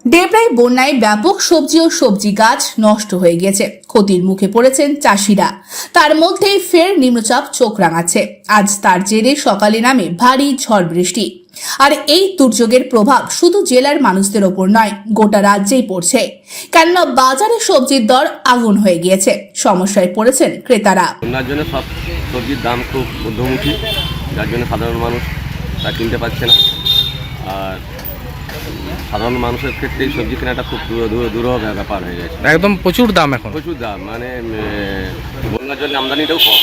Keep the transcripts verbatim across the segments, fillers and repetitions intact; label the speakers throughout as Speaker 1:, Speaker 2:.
Speaker 1: ডেবরায় বন্যায় ব্যাপক সবজি ও সবজি গাছ নষ্ট হয়ে গেছে। ক্ষতির মুখে পড়েছেন চাষিরা। তার মধ্যেই ফের নিম্নচাপ চোখ রাঙাচ্ছে। আজ তার জেরে সকালে নামে ভারী ঝড় বৃষ্টি। আর এই দুর্যোগের প্রভাব শুধু জেলার মানুষদের ওপর নয়, গোটা রাজ্যেই পড়ছে। কেননা বাজারে সবজির দর আগুন হয়ে গিয়েছে। সমস্যায় পড়েছেন ক্রেতারা।
Speaker 2: বন্যার জন্য সব সবজির দাম খুব ঊর্ধ্বমুখী, যার জন্য সাধারণ মানুষ তা কিনতে পারছে না। আর সাধারণ মানুষের ক্ষেত্রে সবজি কেনাটা খুব দুরূহ ব্যাপার হয়ে গেছে।
Speaker 3: একদম প্রচুর দাম, এখন
Speaker 2: প্রচুর দাম, মানে বন্যার জন্য আমদানিটাও কম,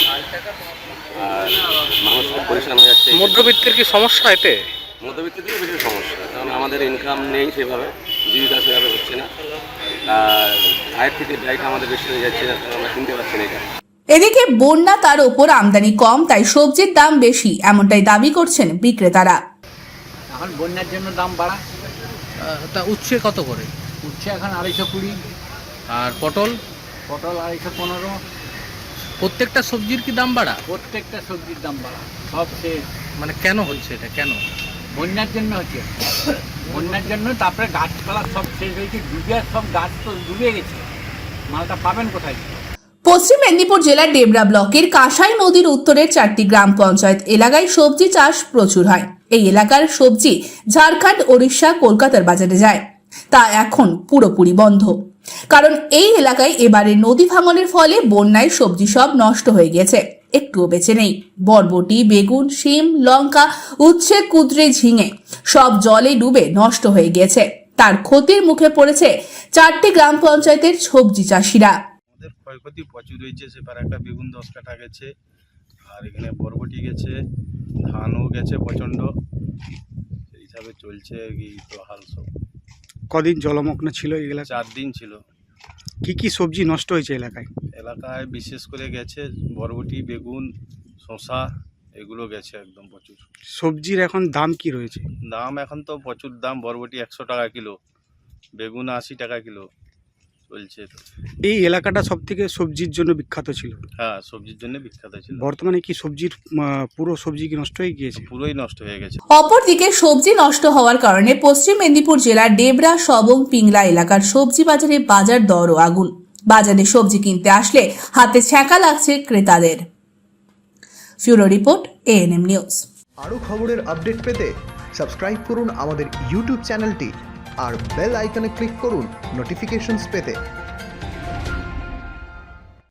Speaker 2: আর মানুষ খুব পরিশ্রম হয়ে যাচ্ছে।
Speaker 3: মধ্যবিত্তের কি সমস্যা এতে?
Speaker 2: মধ্যবিত্তের বেশি সমস্যা, কারণ আমাদের ইনকাম নেই সেভাবে, জীবিকা সেভাবে হচ্ছে না। আর আয়ের থেকে ব্যয়টা আমাদের বেশি হয়ে যাচ্ছে, আমরা কিনতে পারছি না এটা।
Speaker 1: এদিকে বন্যা, তার ওপর আমদানি কম, তাই সবজির দাম বেশি, এমনটাই দাবি করছেন বিক্রেতারা।
Speaker 4: এখন বন্যার জন্য দাম বাড়া।
Speaker 3: তা উচ্ছে কত করে?
Speaker 4: উচ্ছে এখন আড়াইশো কুড়ি।
Speaker 3: আর পটল?
Speaker 4: পটল আড়াইশো পনেরো।
Speaker 3: প্রত্যেকটা সবজির কি দাম বাড়া?
Speaker 4: প্রত্যেকটা সবজির দাম বাড়া, সব শেষ।
Speaker 3: মানে কেন হচ্ছে এটা? কেন?
Speaker 4: বন্যার জন্য হচ্ছে, বন্যার জন্য। তারপরে গাছপালা সব শেষ হয়েছে, ডুবে সব গাছ তো ডুবে গেছে, মালটা পাবেন কোথায়?
Speaker 1: পশ্চিম মেদিনীপুর জেলার ডেবরা ব্লকের কাঁসাই নদীর উত্তরের চারটি গ্রাম পঞ্চায়েত এলাকায় সবজি চাষ প্রচুর হয়। এই এলাকার সবজি ঝাড়খণ্ড, ওড়িশা, কলকাতার বাজারে যায়। তা এখন পুরোপুরি বন্ধ, কারণ এই এলাকায় এবারে নদী ভাঙনের ফলে বন্যায় সবজি সব নষ্ট হয়ে গেছে, একটুও বেঁচে নেই। বরবটি, বেগুন, শিম, লঙ্কা, উচ্ছে, কুঁদরি, ঝিঙে সব জলে ডুবে নষ্ট হয়ে গেছে। তার ক্ষতির মুখে পড়েছে চারটি গ্রাম পঞ্চায়েতের সবজি চাষিরা।
Speaker 5: আমাদের ক্ষয়ক্ষতি প্রচুর হয়েছে। সেবার একটা বেগুন দশ কাঠা গেছে, আর এখানে বরবটি গেছে, ধানও গেছে প্রচণ্ড। সেই হিসাবে চলছে এই তো হাল। সব
Speaker 6: কদিন জলমগ্ন ছিল এই এলাকা?
Speaker 5: চার দিন ছিল।
Speaker 6: কি কি সবজি নষ্ট হয়েছে এলাকায়?
Speaker 5: এলাকায় বিশেষ করে গেছে বরবটি, বেগুন, শসা, এগুলো গেছে একদম প্রচুর।
Speaker 6: সবজির এখন দাম কি রয়েছে?
Speaker 5: দাম এখন তো প্রচুর দাম। বরবটি একশো টাকা কিলো, বেগুন আশি টাকা কিলো চলছে। তো
Speaker 6: এই এলাকাটা সব থেকে সবজির জন্য বিখ্যাত ছিল।
Speaker 5: হ্যাঁ, সবজির জন্য বিখ্যাত ছিল।
Speaker 6: বর্তমানে কি সবজির আহ, পুরো সবজি কি নষ্ট হয়ে গিয়েছে?
Speaker 5: পুরোই নষ্ট হয়ে গেছে।
Speaker 1: অপরদিকে সবজি নষ্ট হওয়ার কারণে পশ্চিম মেদিনীপুর জেলার ডেবরা, সবং, পিংলা এলাকার সবজি বাজারে বাজার দরও আগুন। বাজারে সবজি কিনতে আসলে হাতে ছ্যাঁকা লাগছে ক্রেতাদের। Bureau report, ANM news.
Speaker 7: আরও খবরের আপডেট পেতে সাবস্ক্রাইব করুন আমাদের ইউটিউব চ্যানেলটি আর বেল আইকনে ক্লিক করুন নোটিফিকেশনস পেতে।